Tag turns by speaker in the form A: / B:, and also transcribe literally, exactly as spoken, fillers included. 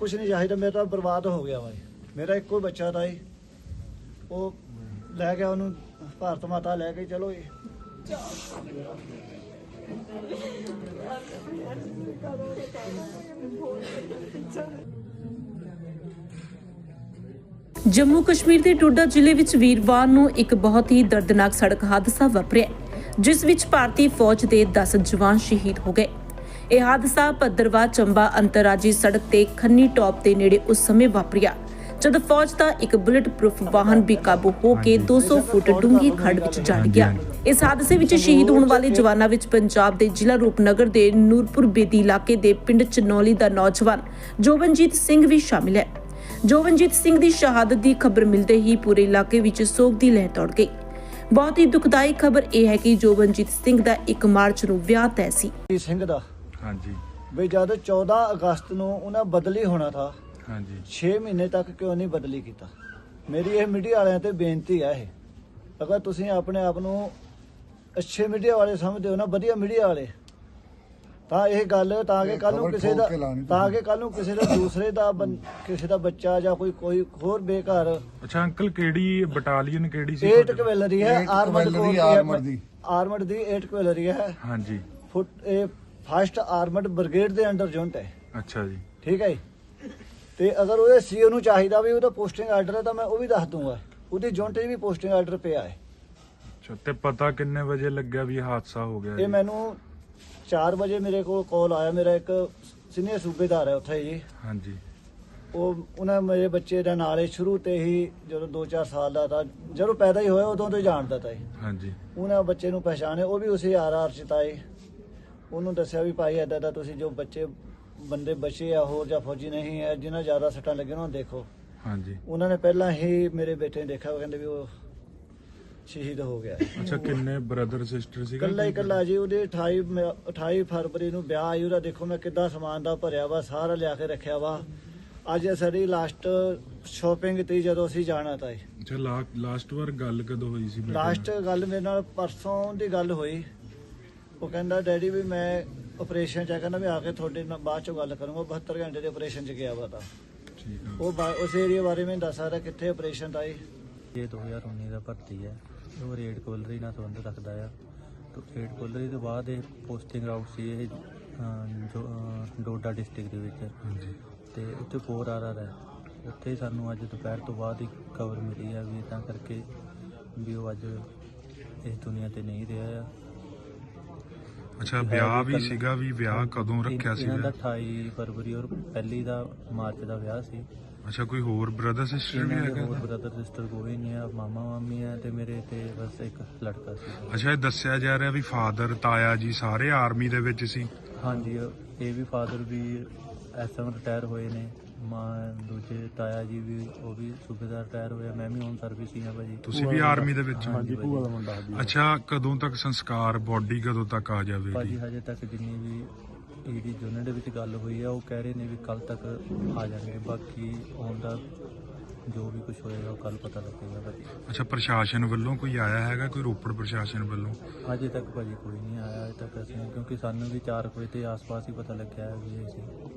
A: कुछ नहीं चाहिए, मेरा बर्बाद हो गया भाई। मेरा एक कोई बच्चा था ही, वो लै गया उन्होंने भारत माता लै गई। चलो ये
B: जम्मू कश्मीर के डोडा जिले विच वीरवार नूं एक बहुत ही दर्दनाक सड़क हादसा वापरिया, जिस विच भारतीय फौज के दस जवान शहीद हो गए। यह हादसा भद्रवाह चंबा अंतरराजी सड़क ते खन्नी टॉप के नेड़े उस समय वापरिया जद फौज का एक बुलेट प्रूफ वाहन बेकाबू होकर दो सौ फुट डूंगी खड्ड विच जा गया। इस हादसे विच शहीद होने वाले जवानों विच पंजाब के जिला रूपनगर के नूरपुर बेदी इलाके के पिंड चनौली का नौजवान जोवनजीत सिंह भी शामिल है। जोवनजीत सिंह की शहादत की खबर मिलते ही पूरे इलाके विच सोग की लहर दौड़ गई। बहुत ही दुखदाई खबर यह है कि जोवनजीत सिंह का एक मार्च नूं विआह तय सी।
A: सिंह दा
C: हाँ जी
A: बई जद चौदह अगस्त नूं उन्हें बदली होना था,
C: हाँ जी
A: छे महीने तक क्यों नहीं बदली किया। मेरी यह मीडिया वालियां ते बेनती है, अगर तुसीं अपने आप नूं अच्छे मीडिया वाले समझदे हो ना, वधिया मीडिया वाले, ਤਾਂ ਇਹ ਗੱਲ ਤਾਂ ਕਿ ਕੱਲ ਨੂੰ ਕਿਸੇ ਦਾ ਤਾਂ ਕਿ ਕੱਲ ਨੂੰ ਕਿਸੇ ਦਾ ਦੂਸਰੇ ਦਾ ਕਿਸੇ ਦਾ ਬੱਚਾ ਜਾਂ ਕੋਈ ਕੋਈ ਹੋਰ ਬੇਘਰ।
C: ਅੱਛਾ ਅੰਕਲ ਕਿਹੜੀ ਬਟਾਲੀਅਨ ਕਿਹੜੀ ਸੀ?
A: ਏਟ ਕਵੈਲਰੀ ਹੈ, ਆਰਮਡ ਕੋਰ ਆਰਮਡ ਦੀ ਆਰਮਡ ਦੀ ਏਟ ਕਵੈਲਰੀ ਹੈ।
C: ਹਾਂਜੀ
A: ਫੁੱਟ ਇਹ ਫਸਟ ਆਰਮਡ ਬ੍ਰਿਗੇਡ ਦੇ ਅੰਡਰ ਯੂਨਿਟ ਹੈ।
C: ਅੱਛਾ ਜੀ
A: ਠੀਕ ਹੈ ਜੀ। ਤੇ ਅਗਰ ਉਹਦੇ ਸੀਓ ਨੂੰ ਚਾਹੀਦਾ ਵੀ ਉਹਦਾ ਪੋਸਟਿੰਗ ਆਰਡਰ ਹੈ ਤਾਂ ਮੈਂ ਉਹ ਵੀ ਦੱਸ ਦੂੰਗਾ, ਉਹਦੀ ਯੂਨਿਟ 'ਚ ਵੀ ਪੋਸਟਿੰਗ ਆਰਡਰ ਪਿਆ ਹੈ।
C: ਅੱਛਾ ਤੇ ਪਤਾ ਕਿੰਨੇ ਵਜੇ ਲੱਗਿਆ ਵੀ ਇਹ ਹਾਦਸਾ ਹੋ ਗਿਆ?
A: ਇਹ ਮੈਨੂੰ चार बजे मेरे को कॉल आया, मेरा एक सीनियर सूबेदार है उत्थे जी।
C: हाँ जी
A: वो उन्हें मेरे बच्चे का नाल शुरू ते ही जो दो चार साल का था, जो पैदा ही होया उदों तो ही जानता था।
C: हाँ जी
A: उन्हें बच्चे नूं पहचाने, वो भी उसी आर आर चिताए, उन्होंने दस्या भी भाई इदा दा तुसीं जो बच्चे बंदे बचे आ होर जां फौजी नहीं है जिन्हें ज़्यादा सट्टां लगे उन्होंने देखो।
C: हाँ जी
A: उन्होंने पहला ही मेरे बेटे ने देखा, वो कहते भी वो ਸ਼ਹੀਦ ਹੋ ਗਿਆ।
C: ਅੱਛਾ ਕਿੰਨੇ ਬ੍ਰਦਰ ਸਿਸਟਰ ਸੀ?
A: ਕੱਲਾ ਹੀ ਕੱਲਾ ਜੀ। ਉਹਦੇ ਅਠਾਈ ਮ- ਅਠਾਈ ਫਰਵਰੀ ਨੂੰ ਵਿਆਹ ਆਈ ਉਹਦਾ। ਦੇਖੋ ਮੈਂ ਕਿੱਦਾਂ ਸਮਾਨ ਦਾ ਭਰਿਆ ਵਾ, ਸਾਰਾ ਲਿਆ ਕੇ ਰੱਖਿਆ ਵਾ। ਅੱਜ ਸਾਡੀ ਲਾਸਟ ਸ਼ਾਪਿੰਗ ਤੇ ਜਦੋਂ ਅਸੀਂ ਜਾਣਾ ਤਾਂ
C: ਅੱਛਾ ਲਾਸਟ ਵਾਰ ਗੱਲ ਕਦੋਂ ਹੋਈ ਸੀ?
A: ਲਾਸਟ ਗੱਲ ਮੇਰੇ ਨਾਲ ਪਰਸੋਂ ਦੀ ਗੱਲ ਹੋਈ। ਉਹ ਕਹਿੰਦਾ ਡੈਡੀ ਵੀ ਮੈਂ ਆਪਰੇਸ਼ਨ ਚ ਆ, ਕਹਿੰਦਾ ਵੀ ਆ ਕੇ ਤੁਹਾਡੇ ਨਾਲ ਬਾਅਦ ਚੋਂ ਗੱਲ ਕਰੂੰਗਾ। ਬਹੱਤਰ ਘੰਟੇ ਦੇ ਆਪਰੇਸ਼ਨ ਚ ਗਿਆ ਵਾ ਤਾਂ
C: ਠੀਕ ਆ।
A: ਉਹ ਬਾ- ਉਸ ਏਰੀਆ ਬਾਰੇ ਮੈਨੂੰ ਦੱਸ ਸਕਦਾ ਕਿੱਥੇ ਆਪਰੇਸ਼ਨ ਦਾ ਇਹ
D: ਇਹ ਦੋ ਹਜ਼ਾਰ ਉੱਨੀ ਦਾ ਭਰਤੀ ਹੈ। ਉਹ ਰੇਡ ਕੋਲਰੀ ਨਾਲ ਸੰਬੰਧ ਰੱਖਦਾ ਆ। ਤੇ ਰੇਡ ਕੋਲਰੀ ਤੋਂ ਬਾਅਦ ਇਹ ਪੋਸਟਿੰਗ ਆਊਟ ਸੀ ਇਹ ਅਹ, ਜੋ ਅਹ, ਡੋਡਾ ਡਿਸਟ੍ਰਿਕਟ ਦੇ ਵਿੱਚ।
C: ਹਾਂਜੀ
D: ਤੇ ਉੱਥੇ ਫੋਰ ਆਰ ਆਰ ਹੈ। ਉੱਥੇ ਹੀ ਸਾਨੂੰ ਅੱਜ ਦੁਪਹਿਰ ਤੋਂ ਬਾਅਦ ਹੀ ਖਬਰ ਮਿਲੀ ਆ ਵੀ ਤਾਂ ਕਰਕੇ ਵੀ ਉਹ ਅੱਜ ਇਸ ਦੁਨੀਆ ਤੇ ਨਹੀਂ ਰਿਹਾ ਆ।
C: ਅੱਛਾ ਵਿਆਹ ਵੀ ਸੀਗਾ ਵੀ? ਵਿਆਹ ਕਦੋਂ ਰੱਖਿਆ ਸੀ?
D: ਇਹਨਾਂ ਦਾ ਅਠਾਈ ਫਰਵਰੀ ਔਰ ਪਹਿਲੀ ਦਾ ਮਾਰਚ ਦਾ ਵਿਆਹ ਸੀ।
C: ਅੱਛਾ ਕੋਈ ਹੋਰ ਬ੍ਰਦਰ ਸਿਸਟਰ ਵੀ
D: ਇਹਨਾਂ ਦੇ
C: ਹੈਗਾ?
D: ਹੋਰ ਬ੍ਰਦਰ ਸਿਸਟਰ ਕੋਈ ਨਹੀਂ ਆ, ਮਾਮਾ ਮਾਮੀ ਆ ਤੇ ਮੇਰੇ ਤੇ ਬਸ ਇੱਕ ਲੜਕਾ ਸੀ।
C: ਅੱਛਾ ਇਹ ਦੱਸਿਆ ਜਾ ਰਿਹਾ ਵੀ ਫਾਦਰ ਤਾਇਆ ਜੀ ਸਾਰੇ ਆਰਮੀ ਦੇ ਵਿੱਚ ਸੀ?
D: ਹਾਂਜੀ ਇਹ ਵੀ ਫਾਦਰ ਵੀ ਐਸ ਐਮ ਰਿਟਾਇਰ ਹੋਏ ਨੇ, ਮਾਂ ਦੂਜੇ ਤਾਇਆ ਜੀ ਵੀ ਉਹ ਵੀ ਸੂਬੇਦਾਰ ਰਿਟਾਇਰ ਹੋਇਆ। ਮੈਂ ਵੀ ਹੁਣ ਸਰਵਿਸ ਹੀ ਆ ਭਾਜੀ।
C: ਤੁਸੀਂ ਵੀ ਆਰਮੀ ਦੇ ਵਿੱਚ?
D: ਹਾਂਜੀ ਭੂਆ ਦਾ ਮੁੰਡਾ।
C: ਅੱਛਾ ਕਦੋਂ ਤੱਕ ਸੰਸਕਾਰ, ਬੋਡੀ ਕਦੋਂ ਤੱਕ ਆ ਜਾਵੇਗੀ?
D: ਭਾਜੀ ਹਜੇ ਤੱਕ ਜਿੰਨੀ ਵੀ ਇਹਦੀ ਯੂਨਿਟ ਦੇ ਵਿੱਚ ਗੱਲ ਹੋਈ ਆ ਉਹ ਕਹਿ ਰਹੇ ਨੇ ਵੀ ਕੱਲ ਤੱਕ ਆ ਜਾਣਗੇ। ਬਾਕੀ ਆਉਣ ਦਾ ਜੋ ਵੀ ਕੁਝ ਹੋਏਗਾ ਉਹ ਕੱਲ ਪਤਾ ਲੱਗੇਗਾ ਭਾਜੀ।
C: ਅੱਛਾ ਪ੍ਰਸ਼ਾਸਨ ਵੱਲੋਂ ਕੋਈ ਆਇਆ ਹੈਗਾ? ਕੋਈ ਰੋਪੜ ਪ੍ਰਸ਼ਾਸਨ ਵੱਲੋਂ?
D: ਅਜੇ ਤੱਕ ਭਾਜੀ ਕੋਈ ਨਹੀਂ ਆਇਆ ਅਜੇ ਤੱਕ ਅਸੀਂ, ਕਿਉਂਕਿ ਸਾਨੂੰ ਵੀ ਚਾਰ ਵਜੇ ਦੇ ਆਸ-ਪਾਸ ਹੀ ਪਤਾ ਲੱਗਿਆ ਹੈ ਵੀ ਇਹ ਸੀ।